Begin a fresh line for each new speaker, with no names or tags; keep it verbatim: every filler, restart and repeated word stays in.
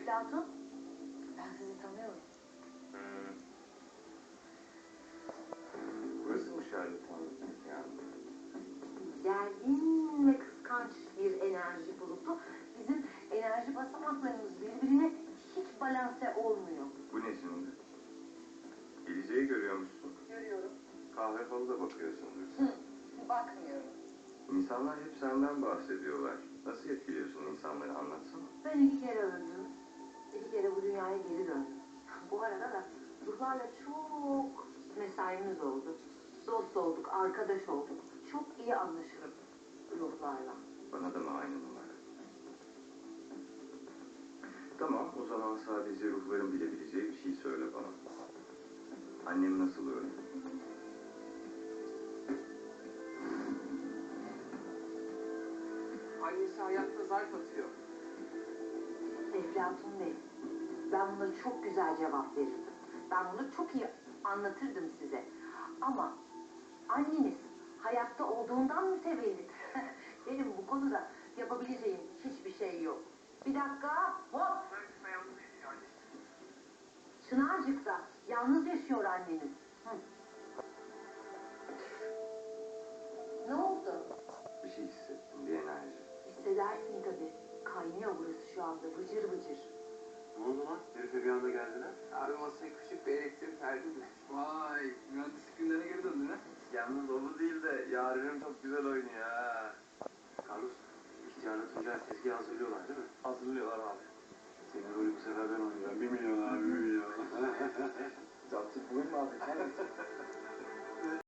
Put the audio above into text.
Eflatun, ben sizi tanıyorum.
Hmm. Burası mı şarlatan yani?
Gergin ve kıskanç bir enerji bulutu. Bizim enerji basamaklarımız birbirine hiç balanse olmuyor.
Bu ne şimdi? Geleceği görüyormuşsun.
Görüyorum.
Kahve falı da bakıyorsundur.
Hı, bakmıyorum.
İnsanlar hep senden bahsediyorlar. Nasıl etkiliyorsun insanları, anlatsana.
Ben iki kere öldüm. İki kere bu dünyaya geri döndüm. Bu arada da ruhlarla çok mesaimiz oldu. Dost olduk, arkadaş olduk. Çok iyi anlaşırım ruhlarla.
Bana da mı aynı numara? Tamam, o zaman sadece ruhların bilebileceği bir şey söyle bana. Annem nasıl öldü?
Annesi hayatta zarf atıyor.
Eflatun Bey, ben buna çok güzel cevap verirdim. Ben bunu çok iyi anlatırdım size. Ama anneniz hayatta olduğundan mütevellit. Benim bu konuda yapabileceğim hiçbir şey yok. Bir dakika, hop! Çınarcık'ta yalnız yaşıyor anneniz. Hı. Ne oldu?
Bir şey hissettim, bir enerji.
Hissedersin tabii. Kaynıyor burası şu anda, bıcır bıcır.
Ne oldu lan? Herife bir anda geldiler.
Abi masaya küçük bir elektrik verdim de. Vay, mühendislik günlerine geri döndün ha?
Yalnız o bu değil de Yaren'im çok güzel oynuyor ha. Carlos, ihtiyarla Tuncay tezgah hazırlıyorlar değil mi?
Hazırlıyorlar abi.
Senin rolü bu sefer ben oynayacağım. Bir milyon abi, bir milyon.
Captık bulur mu abi?